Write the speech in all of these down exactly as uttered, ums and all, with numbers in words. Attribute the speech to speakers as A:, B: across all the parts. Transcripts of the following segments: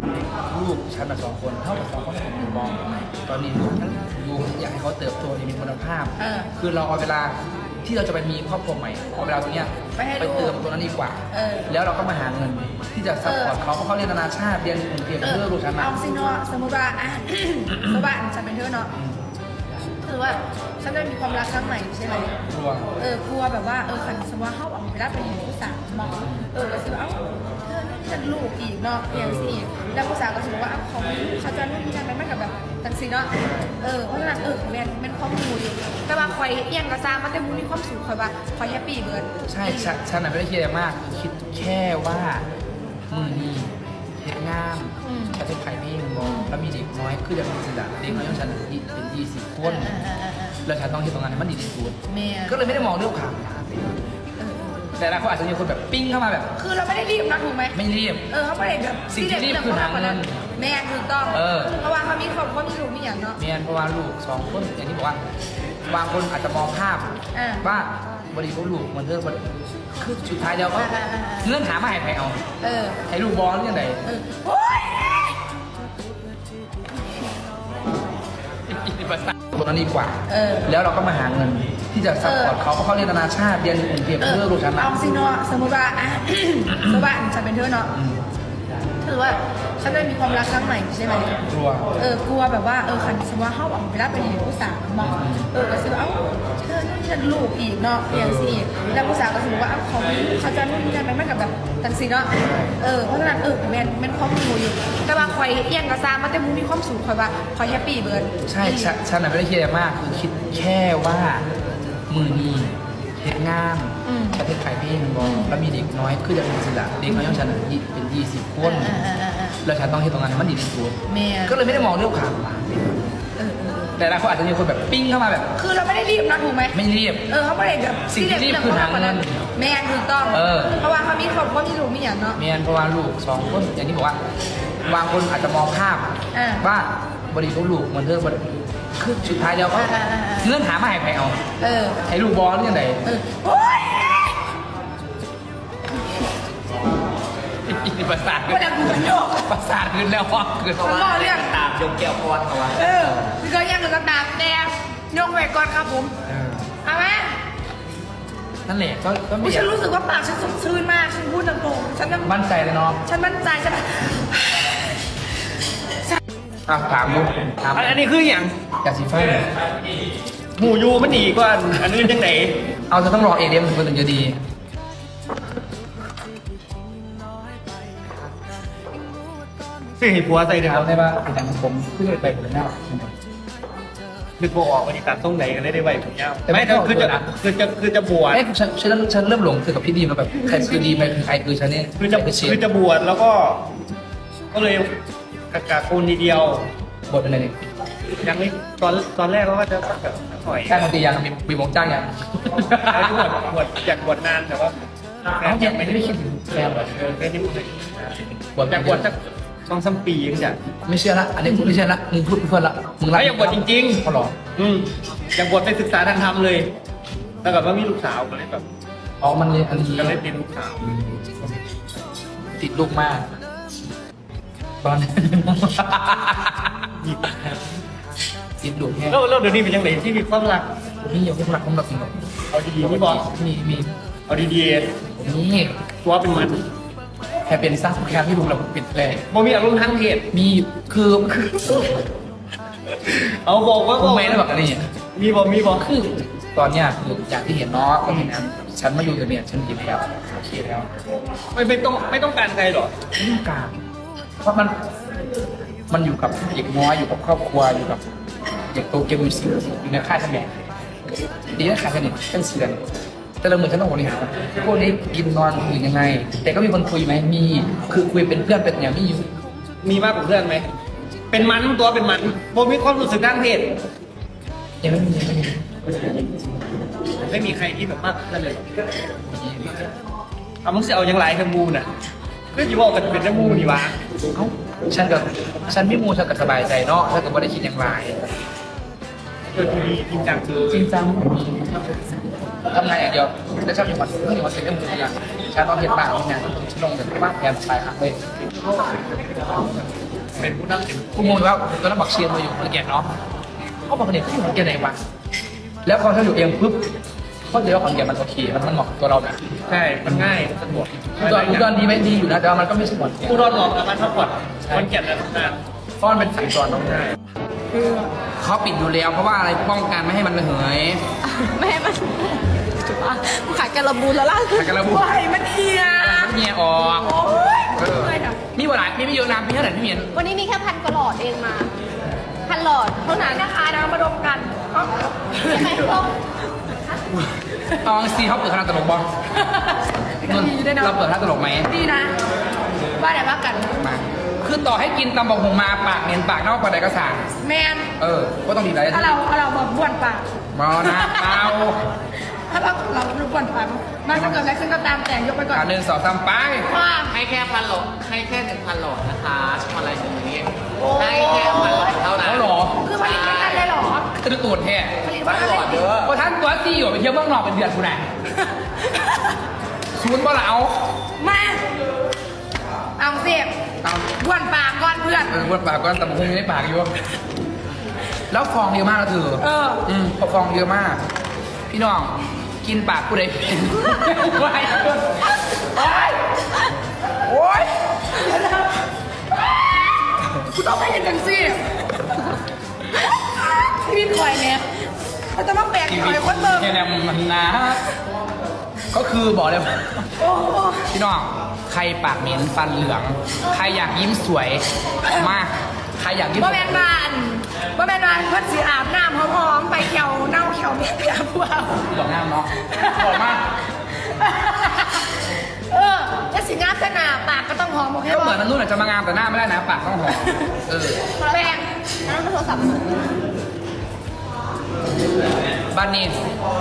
A: ลูกฉันมาสองคนเท่ากับสองคนที่ผมอยู่มองตอนนี้ลูกฉันลูกอยากให้เขาเติบโตอย่างมีคุณภาพ
B: เออ
A: คือเราเอาเวลาที่เราจะไปมีครอบครัวใหม่เอาเวลาตรงเนี้ย
B: ไปให้
A: ไป
B: ลูก
A: เติมตรงนั้นดีกว่า
B: เออ
A: แล้วเราก็มาหาเงินที่จะซัพพอร์ตเขาเพราะเขาเรียนนานาชาติเรียนกรุงเทพเพื่อลูกฉันมา
B: เอาสิเนาะสมมติว่าอ่ะ สมมติว่าฉันเป็นเธอเนาะคือว่าฉันจะมีความรักครั้งใหม่ใช่ไหม
A: กลัว
B: เออกลัวแบบว่าเออขันสมมติว่าเขาออกไปรับไปอยู่ผู้สาวมองเออก็คือว่าเอ้าเธอนี่จะลูกอีกเนาะอย่างสิอีกแล้วผู้สาวก็ถือว่าอ้าวเขาเขาจะนู่นนี่นั่นไม่กับแบบตังสีเนาะเออเพราะฉะนั้นเออแมนเป็นข้อมูลอยู่แต่ว่าคอยเอียงก็สร้างมาแต่มูมีความสุขคอยว่าคอยแฮปปี้เบิร์ด
A: ใช่ฉันฉันน่ะไม่ได้คิดอะไรมากคิดแค่ว่ามือนี้เห็นงาม
B: อืม
A: ฉันเป็นไผ่พี่มองแล้วมีเด็กน้อยคือจะมีสิทธิ์เด็กน้อยของฉันเป็นยี่สิบคน
B: เออเออเออเออ
A: แล้วฉันต้องที่ตรงนั้นให้มันดีที่สุด
B: แม่
A: ก็เลยไม่ได้มองเรื่องข่าว
B: เออ
A: แต่ละคนอาจจะมีคนแบบปิ้งเข้ามาแบบ
B: คือเราไม่ได้รีบนะถูกไหม
A: ไม่รีบ
B: เออเขาไม่ได้แบบ
A: สิ่งที่รีบคือหาเงิน
B: แม่ถูกต้อง
A: เออ
B: เพราะว่าเขามีครอบครัวมีลูกมีอย่างเนาะ
A: เมียนเพราะว่าลูกสองคนอย่างที่บอกว่าบางคนอาจจะมองภาพ
B: อ่า
A: ว่าบริโภคลูกมันเรื่องมันคือสุดท้ายแล้วก็
B: อ่าอ่าอ่า
A: เงื่อนหามาให้ใครเอา
B: เออ
A: ให้ลูกบอลเรื่องไหน
B: เออโอ๊ย
A: ตรงนั้นดีกว่า
B: เออ
A: แล้วเราก็มาหาเงินที่จะซัพพอร์ตเขาเพราะเขาเรียนนานาชาติเรียนกรุงเทพเพื่อลูกฉันมา
B: เอาสิเนาะสมมติว่าอ่ะ สมมติว่าฉันเป็นเธอเนาะ
A: อืม
B: คือว่าฉันจะมีความรักครั้งใหม่ใช่ไหม
A: กลัว
B: เออกลัวแบบว่าเออขันสมมติว่าเขาออกไปรับไปอยู่ผู้สาวมองเออก็คือว่าเอ้าเธอนี่จะลูกอีกเนาะอย่างสิอีกแล้วผู้สาวก็ถือว่าอ้าวเขาเขาจะนู่นนี่นั่นไม่กับแบบตังสีเนาะเออเพราะฉะนั้นเออแมนเป็นข้อมูลอยู่แต่ว่าคอยเอียงก็สร้างมาแต่มูมีความสุขคอยว่าคอยแฮปปี้เบิร์ด
A: ใช่ฉันฉันน่ะไม่ได้คิดอะไรมากคือคิดแค่ว่ามือนี้เห็นงาม
B: อืม
A: ประเทศไทยพี่มองแล้วมีเด็กน้อยคือจะมีสิทธิ์เด็กน้อยของฉันเป็นยี่สิบคน
B: เออเออเออเออ
A: แล้วฉันต้องที่ตรงนั้นให้มันดีที่สุด
B: แม่
A: ก็เลยไม่ได้มองเรื่องข่าว
B: เออเออ
A: แต่ละคนอาจจะมีคนแบบปิ้งเข้ามาแบบ
B: คือเราไม่ได้รีบนะถูกไหม
A: ไม่รีบ
B: เออเขาไม่ได้แบบ
A: สิ่งที่รีบคือหาเงิน
B: แม่ถูกต้อง
A: เออ
B: เพราะว่าเขามีครอบครัวมีลูกมีอย่างเนาะ
A: เมียนเพราะว่าลูกสองคนอย่างที่บอกว่าบางคนอาจจะมองภาพ
B: อ่า
A: ว่าบริโภคลูกมันเรื่องมันคือสุดท้ายแล้วก็
B: อ่าอ่าอ่า
A: เงื่อนหามาให้ใครเอา
B: เออ
A: ให้ลูกบอลเรื่องไหน
B: เออโอ๊ย
A: ประสาท
B: วันนั้นกูเป็นโยก
A: ประสาทขึ้นแล้วว่าคือ
B: เขาบอกเรื่อง
C: ตามยกแก้วพอดเอาไว้
B: เออพี่ก็ยังกับกระดาษแดงยกไว้ก่อนครับผม
A: เออ
B: เอาไหม
A: นั่นแหละก็ก็
B: อุ๊
A: ไม่
B: ยฉันรู้สึกว่าปากฉันสดชื่นมากฉันพูดตรงๆฉันยัง
A: มั่นใจเลยเนาะ
B: ฉันมั่นใจฉัน
A: อ่ะถามลูกถาม
C: อันอันนี้คืออย่าง
A: อยากสีฟ้า
C: หมูยูมันดีกว่าอันนี้จังไหน
A: เอาจะต้องรอเอเดียมถึงจะดี
C: ซื้อให้ผัวใส่เดี๋ยว
A: ถามได้ว่าเป็นอย่างผมเพิ่งไปผมหน้าใช่ไหม
C: นึกบ่ออกวันนี้ตัดตรงไหนกันได้ได้ไหวผมยาว
A: แต่ไม่
C: ไม่แต่คือจะ
A: นะ
C: คือจะคือจะบวช
A: เอ้ยฉันฉันฉันเริ่มหลงคือกับพี่ดีมาแบบใครคือดีไปคือใครคือฉันเนี่ย
C: คือจะ
A: ใครเชีย
C: คือ
A: ร์
C: จะบวชแล้วก็ ก็เลยกะกะโคนทีเดียว
A: บทเป็นอะไรเนี่ย
C: ยังไม่ตอนตอนแรกเราก็จะแบบหน่อย
A: จ้างดนตรียังมีมีวงจ้างยัง
C: แล้วที่บวชบวชอยากบวชนานแต่ว่า
A: เอ้ายังไม่ได้คิดถึงแฟนเหรอ
C: เออแค่นี้มัน
A: บวช
C: อยากบวชสักสองสามปียังจะ
A: ไม่เชื่อละอันนี้กูไม่เชื่อละมึงพูดเพื่อนละมึง
C: แล้วอยากบวชจริง
A: เขาหรอ
C: ๆอืมอยากบวชไปศึกษาทางธรรมเลยแล้วแบบว่ามีลูกสาวก็เลยแบบ
A: อ๋อมันเลยอันนี้
C: ก็เลยเป็นลูกสาว
A: ติดลูกมากตอนนี้ ติดลูกแค่
C: แล้วแล้วเดี๋ยวนี้เป็นยังไงที่มีความรัก
A: นี่ยังไม่รักผมหรอกจริงหรอก
C: เอาดีๆพี่บอก
A: มีมี
C: เอาดี
A: นี่
C: ๆตัวเป็นมัน
A: แค่เป็นสร้างแค่ที่ลูกเราปิดเลย
C: บ่มีอารมณ์ทางเพศ
A: มีคือคือ
C: เอาบอกว่า
A: กูไม่ได้แบบอันนี้
C: มีบอกมีบอก
A: คือตอนเนี้ยคือจากที่เห็นเนาะก็เห็นนะฉันมาอยู่กับเนี่ยฉันดีแล้วโอเคแล้ว
C: ไม่ไม่ต้องไม่ต้องการใครหรอก
A: ไม่ต้องการเพราะมันมันอยู่กับเด็กน้อยอยู่กับครอบครัวอยู่กับเด็กโตเกียวอยู่สิอยู่ในค่ายทำงานดีนะค่ายสนิทเป็นเสือนแต่ละมือฉันต้องบริหารพวกนี้กินนอนอยู่ยังไง แต่ก็มีคนคุยไหมมีคือคุยเป็นเพื่อนเป็นอย่างนี้อยู่
C: มีมากกว่าเพื่อนไหมเป็นมันตัวเป็นมันบ่มีความรู้สึกทางเพศ
A: ยังไม่มียังไม่มี
C: ไม่มีใครที่แบบมากเพื่อนเลยเอามึงจะเอาอย่างไรกับมูน่ะก็อยู่บอกกันเป็นน้ำมูนี่วะ
A: เอ้าฉันกับฉันไม่มูฉันก็สบายใจเนาะถ้าเกิดว่าได้คิดอย่างไร
C: เออดีจริงจังคือ
A: จริงจังทำงานอย่างเดียวแล้วชอบอยู่วันเมื่ออยู่วันเสร็จก็มือทำงานฉันต้องเห็นบ้านทำงานฉันลงแต่ว่าแผนชายหักเลย
C: เป็นผู้นำเป็น
A: กูงงอยู่ว่าตอนนั้นบักเชียร์มาอยู่ขอนแก่นเนาะเขาบอกเนี่ยที่ขอนแก่นไหนวะแล้วพอถ้าอยู่เองปุ๊บเขาเจอว่าขอนแก่นมันโอเคมันมันเหมาะกับตัวเรานะ
C: ใช่มันง่ายมันสะดวก
A: อุดรอุดรดีไหมดีอยู่นะแต่ว่ามันก็ไม่ใช่ขอนแก่น
C: ผู้รอดเหมาะกับการพักผ่อนคนแก่นและทำงาน
A: เพราะมันเป็นสายจรต้องง่ายคือเขาปิดอยู่แล้วเพราะว่าอะไรป้องกันไม่ให้มันระเหย
B: ไม่ให้มันจุ๊บอ่ะขายกระบูนแล้วล่ะ
A: ขายกระบูน
B: ว้ายมันเฮีย
A: มันเมียออก
B: โอ้ย
A: เออ
B: เลยนะ
A: มีบ่หลายมีไม่เยอะน้ำพี่เท่าไหร่พี่เมียน
D: วันนี้มีแค่พันกว่าหลอดเองมา พันหลอดเท่านั้น
B: นะคะนะมาดมกันเอ้า
D: ใช่ไหมทุกคน
A: เอาซีเขาเปิดคณะตลกบอล
B: ดีด้วยเนาะ
A: เราเปิดคณะตลกไหม
B: ดีนะว่าแต่ว่ากัน
A: มาคือต่อให้กินตำบอกหงมาปากเนียนปากเน่าปากใดก็สั่ง
B: แมน
A: เออก็ต้องมีอะไร
B: ถ้าเราถ้าเราแบบบ้วนปาก
A: มอนะเมา
B: ถ้าเราเราบ้วนปากมันจะเกิดอะไรขึ้นก็ตามแต่ยกไปก่อน
A: การหนึ่งสองสามไป
B: ว่า
E: ให้แค่พันโหลดให้แค่หนึ่งพันโหลดนะคะชมอะไรอย่างนี้ให้แค่พันโหลดเท่านั้น
A: เขาหรอ
B: คือผลิตไม่ทันเลยเหรอ
A: จะดูตูดแท้
B: ผลิต
E: พั
B: ไม่
E: น
B: ทัน
E: โหล
B: เลย
E: ดเด้อ
A: เพราะท่านตัวซีอยู่ไปเที่ยวเมืองนอกเป็นเดือนคุณไหนศูนย์บ่ละเอา
B: มาเอาเสียบ
A: เอา
B: บ้วนปากก่อนเพื่อน
A: เออวนปากก็ตำบอกหงอยู่ในปากอยู่แล้วฟองเยอะมากนะเธอ
B: เออ
A: อืมฟองเยอะมาก พี่น้องกินปากกูได้เป็นโอ้ยโอ้ยโอ้ย
B: กูต้องไปเห็นกันสิชีวิตคอยเนี่ยเขาจะมาแบก
A: ชี
B: ค
A: วิ
B: อ
A: ต
B: ยคนเบิ่ง
A: แค่นี้มันนะก็คือบอกเลยว่า
B: โอ้
A: พี่น้องใครปากเหม็นฟันเหลือง ใครอยากยิ้มสวยมากใครอยากยิ้ม
B: บ่แมนบานบ่แมนบานเพื่อนสีอาบน้ำหอมๆไปเขียวเน่าเขียวเมียเปียพวก
A: บอกงามเนาะบอกมาก
B: เออถ้าสีงามขนาดปากก็ต้องหอมโอเค
A: ก็เหมื
B: ป่ะ
A: อนนันนู่นอาจจะมางามแต่หน้าไม่ได้นะปากต้องหอมเออ
B: แป้ง
D: นั่นเป็นโทรศัพท์
A: บ้านนี้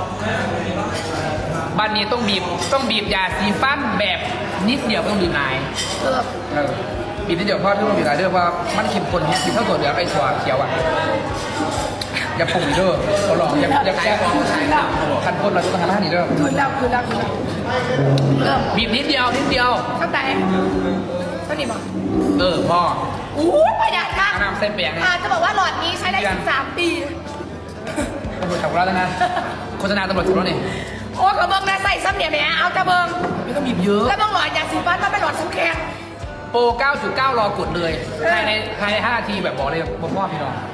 A: บ้านนี้ต้องบีบต้องบีบยาสีฟันแบบนิดเดียวไม่ต้องบีบนาย
B: เออ
A: เออบีบนิดเดียวเพราะที่ต้องบีบนายเด้อว่ามันเข้มข้นแฮะบีบเท่าตัวเหลืองไอ้ถั่วเขียวอ่ะอย่าปรุงอีกเด้อเขาลองอย่าอย่าแก้ฟองใช่ครับคันพ่นเราจะต้องทำให้ดีเด้อ
B: คืนแล้วคืนแล้วคืนแล้วเริ่ม
A: บีบนิดเดียวนิดเดียว
B: เข้าใจเท่านี้บอก
A: เออพ่อ
B: อู้ประหยัดมาก
A: เอาน้ำใส่แป้งเนี่ย
B: อ่าจะบอกว่าหลอดนี้ใช้ได้สิบสามปี
A: ตำรวจจับกูแล้วนะโฆษณาตำรวจจับแล้วนี่
B: โอ้กระเบื้องนะใส่ซ้ำเนี่ยแหม่เอากระเบื้อง
A: ไม่ต้องบีบเยอะ
B: แล้วบางหลอดยาสีฟันมันเป็นหลอดสำแข็ง
A: โปร เก้าจุดเก้า รอกดเลยภายในภายในห้านาทีแบบบอกเลยผมว่าพี่น้อง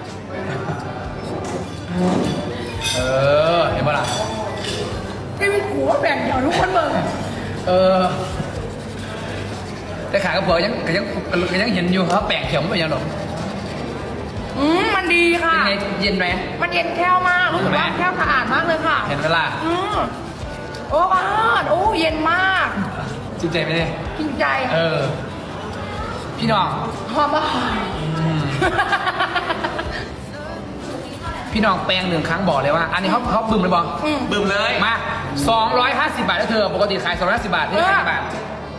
A: เออเห็นปะล่ะ
B: ที่มีหัวแบ่งเดี่ยวทุกคนเบิ่ง
A: เออแต่ขากระเป๋ายังก็ยังก็ยังเห็นอยู่ครับแปลกเขียวไม่เป็นยังหรอก
B: อืมมันดีค่ะ
A: เป็นไงเย็นไหม
B: มันเย็นแค่วมากรู้สึกว่าแค่วสะอาดมากเลยค่ะ
A: เห็นเวลา
B: อืมโอ้บ้านโอ้เย็นมาก
A: จริงใจไหมเนี่ย
B: กินใจ
A: เออ พี่น้อง
B: หอมมาก
A: อืมพี่น้องแปลงหนึ่งครั้งบอกเลยว่า อันนี้เขาเขาบึ้มเลยบอก
B: อืม
E: บึ้มเลย
A: มาสองร้อยห้าสิบบาทแล้วเธอ ปกติขายสองร้อยห้าสิบบาทนี่ขายกี่บาท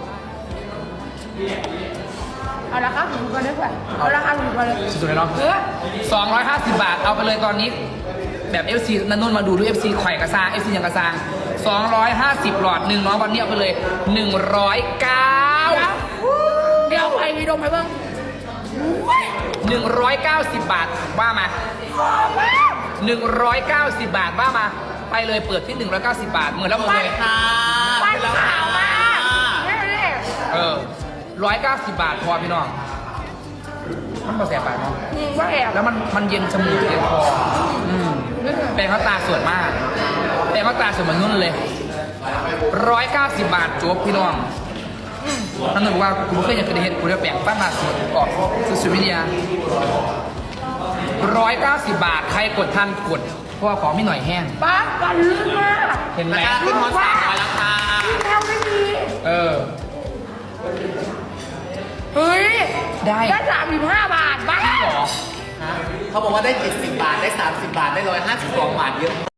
B: เอาราคาถูกกว่าด้วยค่ะเอาราคาถูกกว่าเลย
A: สุดๆเลยเนาะ
B: เออ
A: สองร้อยห้าสิบบาท เอาไปเลยตอนนี้ แบบ เอฟ ซี นันนุ่นมาดูด้วย เอฟ ซี ไข่กระซาง เอฟ ซี ยังกระซางสองร้อยห้าสิบหลอดหนึ่งน้องวันนี้เอาไปเลยหนึ่งร้อยเก้า
B: เดี๋ยวไปมีดมไปเบิ่งอุ้ย
A: หนึ่งร้อยเก้าสิบบาทว่ามา
B: หอมมาก
A: หนึ่งร้อยเก้าสิบบาทว่ามา ไปเลยเปิดที่หนึ่งร้อยเก้าสิบบาทเหมือนแล้วหมดเลย
E: ค่ะ
B: ปั้นขาวมากนี่นี่
A: เออร้อยเก้าสิบบาทพอพี่น้อง มันพอแสบปากเนาะ
B: อืมว่าแอบ
A: แล้วมันมันเย็นจมูกเย็นคออืมแปรงเขาตาสวยมากแปรงเขาตาสวยเหมือนนุ่นเลยร้อยเก้าสิบบาทจบพี่น้องนั่นหมายว่ากูไม่เคยอยากจะได้เห็นกูจะแปรงปั้นมาสวยออกสุดวิทยาร้อยเก้าสิบบาทใครกดทันกดเพราะว่าของไม่หน่อยแห้ง
B: ป้ากันลึกมาก
A: เห็นไหม
E: ราคาขึ้นฮอตสามร้อยแล้วค่ะ
B: ที่แถวไม่มี
A: เออ
B: เฮ้ย
A: ได้
B: ได้สามสิบห้าบาทบ้า
A: หรอ
E: เขาบอกว่าได้เจ็ดสิบบาทได้สามสิบบาทได้หนึ่งร้อยห้าสิบสองบาทเยอะ